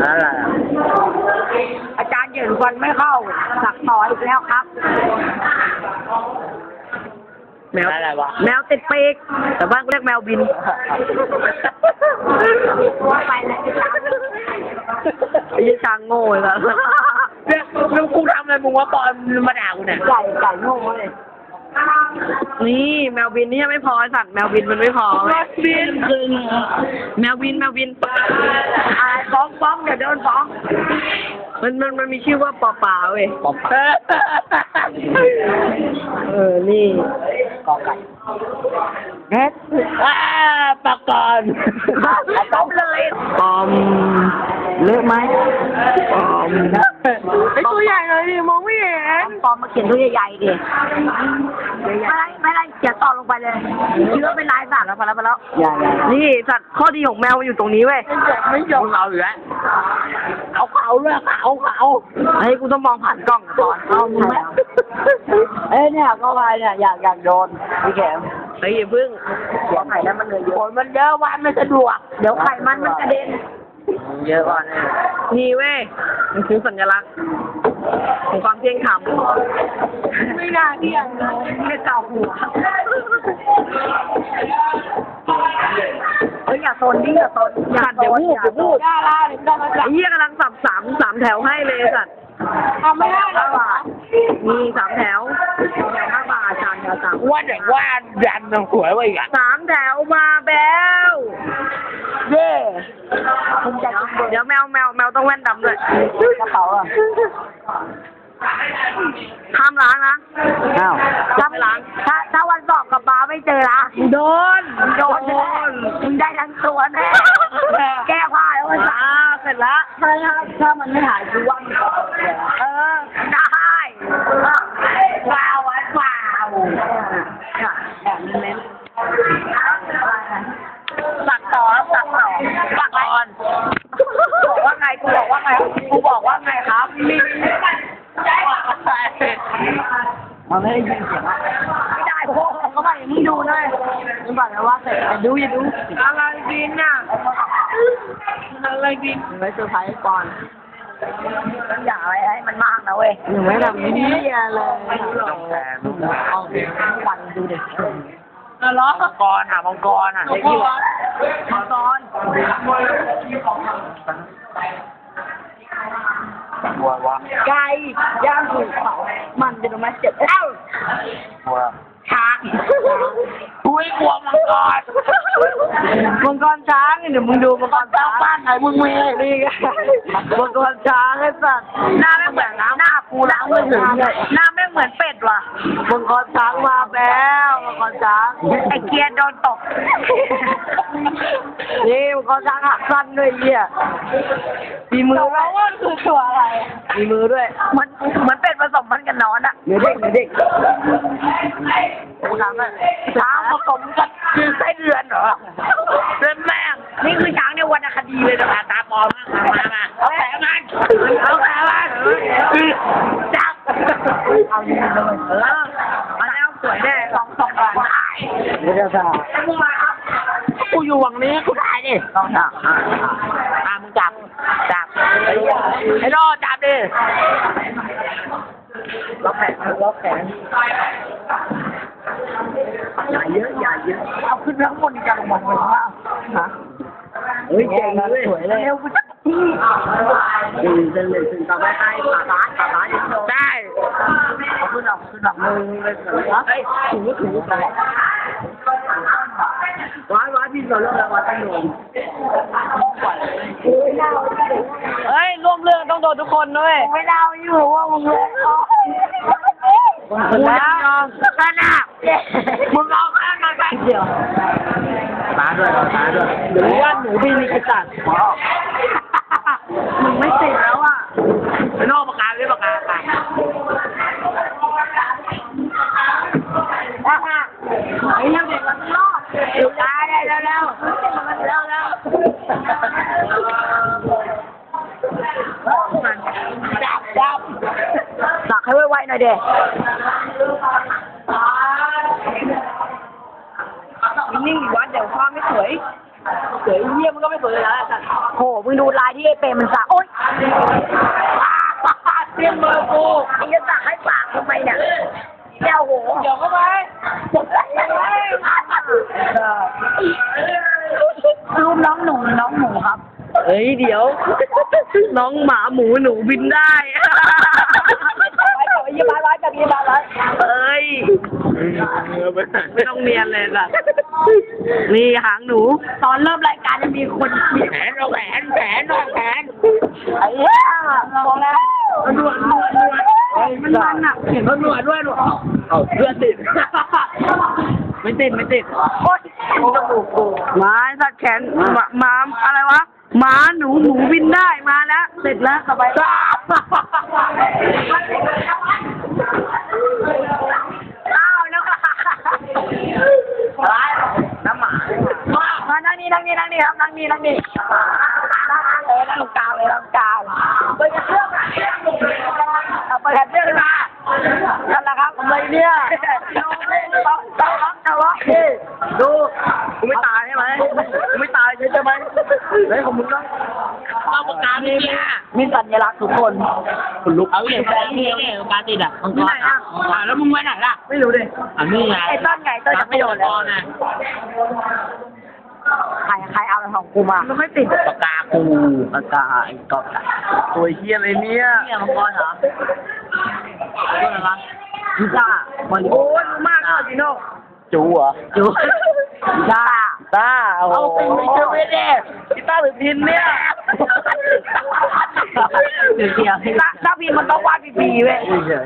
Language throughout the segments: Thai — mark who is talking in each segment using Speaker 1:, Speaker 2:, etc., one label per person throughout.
Speaker 1: อะไร
Speaker 2: อาจารย์เหยินฟันไม่เข้าสักต่ออีกแล้วครับแมว
Speaker 1: อะไรวะ
Speaker 2: แมวติดปีกแต่บ้านเรียกแมวบินไปเลยไอ้ช้างโง่เลย
Speaker 1: เนี่ยมึงกูทำอะไรมึงว่าตอนมาด่ากูเนี่ย
Speaker 2: ไก่โง่เลยนี่แมวบินนี่ยังไม่พอสัตว์แมวบินมันไม่พอ
Speaker 1: บินคือ
Speaker 2: แมวบินฟ้องเดี๋ยวโดนฟ้องมันมีชื่อว่าปอป่าเว้ยนี่
Speaker 1: กอไก่
Speaker 2: เน็ต
Speaker 1: ปากกอน
Speaker 2: ต้มเลยปอมเลือกไหมปอม
Speaker 1: ไอตัวใหญ่เลยดิมองไม่เห็น
Speaker 2: ปอมมาเขียนตัวใหญ่ๆดิไม่ได้เขียนต่อลงไปเลยคิดว่าเป็นลายสัตว์แล้วไปแล้วนี่สัตว์ข้อดีของแมวอยู่ตรงนี้เว้ย
Speaker 1: ไม่ยอมเอาอยู่แล้วเขาด้วยเขา
Speaker 2: เฮ้ยกูต้องมองผ่านกล้องก่อนเอามึงไหม
Speaker 1: เนี่ยก็ไปเนี่ยอยากโดนพี่แก
Speaker 2: เฮ้ยอย่าพึ่งหัวไข่แล้วมันเลยเยอะ
Speaker 1: คนมันเยอะวันไม่สะดวก
Speaker 2: เดี๋ยวไข่มันกระเด็น
Speaker 1: เยอะกว่า
Speaker 2: นี่เว้ยมันคือสัญลักษณ์ของความเที่ยงธรรม
Speaker 1: ไม่น่าเที่ยงเลย
Speaker 2: ไม่เก่าหัวเฮ้ยอย่าโซนดิอย่าโซน
Speaker 1: เดี๋ยวพูดได้ละเดี๋ยว
Speaker 2: ไอ้เหี้ยกำลังสับสามแถวให้เลยสัตว์
Speaker 1: ไม่ได้5 บาท
Speaker 2: มี3 แถว5 บาทจานเดียว
Speaker 1: ว่าเด็กว่าดันมันสวยไว้กัน
Speaker 2: 3 แถวมาแบว
Speaker 1: เย่
Speaker 2: เดี๋ยวแมวต้องแว่นดำด้วย
Speaker 1: กระเป๋าอ่ะ
Speaker 2: ห้ามล้างนะ
Speaker 1: ห้าม
Speaker 2: ล้างถ้าวันสอบกับบ้าไม่เจอละโดนมึงได้ทั้งตัวแน่แก้ผ้าแล้ววันสาเสร็จแล้ว
Speaker 1: ถ้ามันไม่หายคือว่ามัน
Speaker 2: ได้
Speaker 1: ว้าว
Speaker 2: แบบเน้นสักต่อสักก่อนบอกว่าไงกูบอกว่าไงครับ
Speaker 1: มันไม่ได้ยินเสียง
Speaker 2: ไม่ได้พวกเขาไม่มึงดูเลยมึงบอกเลยว่าเสร็จดูอย่าดูอะไรบินน่ะอะไรบิน
Speaker 1: ไม่เซอร์ไพรส์ก่อน
Speaker 2: อย่าอะไรให้มันมากนะเว้ย
Speaker 1: หนูไม่ทำนี่เลย
Speaker 2: เอาวันดูเด็ก
Speaker 1: ล้อมังกรอ่ะมังกรไอ้ที่
Speaker 2: มังกร
Speaker 1: บัววะ
Speaker 2: ไก่ย่างถูกเผามันจะมาเจ็บแล้ว
Speaker 1: บัว
Speaker 2: ช้าง
Speaker 1: อุ้ยกลัวมังกร
Speaker 2: ช้างเดี๋ยวมึงดูมังกรช้าง
Speaker 1: บ้านไหนมึงมี
Speaker 2: นี่ไงมังกรช้างไอ้สัตว์หน้าไม่เหมือนหน้ากูล้างไม่ถึงเลยหน้าไม่เหมือนเป็ดว่ะมังกรช้างมาแล้วมังกรช้างไอ้เกียร์โดนตกนี่มังกรช้างหักสั้นด้วยเหี้ยมีมือด้วย
Speaker 1: ว่าคือตัวอะไร
Speaker 2: มีมือด้วยมันเป็ดผสมพันธุ์กันนอนอะ
Speaker 1: เด็ก
Speaker 2: ช้างผสมกันคือไส้เดือนเหรอเดือนแม่งนี่คือช้างในวรรณคดีเลยนะตาปลอมมาเอาแผลมันจับเอาดีเลยมาแล้วสวยแน่2 บาท
Speaker 1: ไม่ได้ซ่ากูอยู่วังนี้กูได้ดิ
Speaker 2: ต้องจับ
Speaker 1: มึงจับไอ้รอจับดิ
Speaker 2: ล็อกแขนอย่าเยอะเอาขึ้นทั้งหมดนี่จะลงมาเลยว่าฮะ
Speaker 1: เฮ้ยเจ๋งเลยสวยเลย
Speaker 2: เร็วกูจะที่ถึงต่อไปให้ขาซ้าย
Speaker 1: ได้
Speaker 2: เอาขึ้นดอกมือเลยเฮ้ยถูว้าพี่สอนเรื่องอะไรตั้งโดน
Speaker 1: เฮ้ยร่วมเรื่องต้องโดนทุกคนด้วย
Speaker 2: ไม่เล่าอยู่ว่ามึงเลย
Speaker 1: มึงยอม
Speaker 2: ขนาดมึงเอาแค่มาแค่เดียว
Speaker 1: ตาด้วย
Speaker 2: หรือว่าหนูบินมีกระจัดมึงไม่ติดแล้วอ่ะ
Speaker 1: ไปนอกปากกาเลยปากกา
Speaker 2: ไอ้เด็กมันรอดได้แล้วจับสักให้ไวๆหน่อยเด็กนิ่งๆวัดเดี๋ยวความไม่สวย
Speaker 1: วยเยี่ยมมันก็ไม่สวยเลยนะสัตว์
Speaker 2: โหมึงดูลายที่ไอ้เปรมมันสักโอ๊ย
Speaker 1: เตรียมมือกู
Speaker 2: ไอ้จะสักให้ปากทำไมเนี่ยแก้วโห
Speaker 1: เดี๋ยวเข้าไป
Speaker 2: รูปน้องหนูครับ
Speaker 1: เฮ้ยเดี๋ยว น้องหมาหมูหนูบินได้
Speaker 2: ไปยี่บ้านร้อยกับยี่บ้านร้อย
Speaker 1: เอ้ยไม่ต้องเนียนเลยล่ะนี่หางหนู
Speaker 2: ตอนเริ่มรายการจะมีคน
Speaker 1: แขนเราแขนแขนเราแขน
Speaker 2: ไอ้เหี้ยมองแล้ว
Speaker 1: นวดมันอ่ะเห็นเขานวดด้วยหนูเอาเพื่อนติดไม่ติด
Speaker 2: โอ๊ยจมูกกู
Speaker 1: หมาสัตว์แขนหมาอะไรวะหมาหนูบินได้มาแล้วเสร็จแล้วสบาย
Speaker 2: อ้าวแล้วน้ำหมามานั่งนี่ครับนั่งนี่เลยนั่งตรงกลางเลยตรงกลางเปิดเรื่องเอาเปิดเรื่องมานั่นแหละครับทำไมเนี่ยดูกูไม่ตายใช่ไหมกูไม่ตายใช่ไหมเฮ้ยของมึงต้อง
Speaker 1: เอาปากกาเนี่ย
Speaker 2: มีสัญลักษณ์ทุกคน
Speaker 1: คุณลุกเอาอย่างนี้เนี่ยปากกาติดอ่ะมังกรแล้วมึงไว้ไหนล่ะ
Speaker 2: ไม่รู้ดิ
Speaker 1: อันนี้ไง
Speaker 2: ไอ้ต้นจะไม่โดนแล้วใครเอาของกูมาไม่ค่อยติด
Speaker 1: ปากกากูปากกาไอ้กอบตัวเฮียอะไรเนี่ยมังกรเหรอตัวอะไรวะพิซซ่า
Speaker 2: โอ้ยรู้มากเลยจิโน่
Speaker 1: จูเหรอจู
Speaker 2: จ้า
Speaker 1: ต้าเอาติงไปเจอไม่ได้กีตาร์หรือพินเนี่ยเดี๋ยว
Speaker 2: ถ้าพี่มันต้องวาดปีเว้ย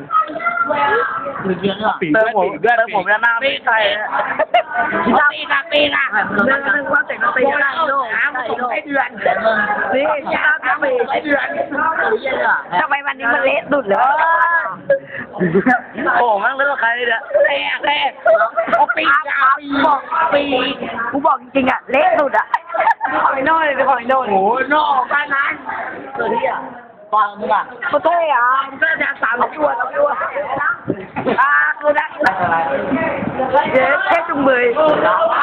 Speaker 1: เติมผมจะหน้าไม่ใช่ตีนะ
Speaker 2: นึกว่าแต่งตีได้โน่ใช้เดือนนี่จ้าทำไมใช้เดือนทำไมวันนี้มันเละสุดเลย
Speaker 1: โอ้มั่งเลือกใครเนี่ยแรกเอาปีก
Speaker 2: บอกปีกูบอกจริงๆอ่ะเละสุดอ่ะขอไอ้โน่เลยขอไอ้โน่
Speaker 1: โอ้โหนอกกันนั้นตัวนี้อ่ะฟังมึงอ่ะ
Speaker 2: กูเท่อะมันก็จะ3 ตัวคือนะคือนะเจ๊จุงเบย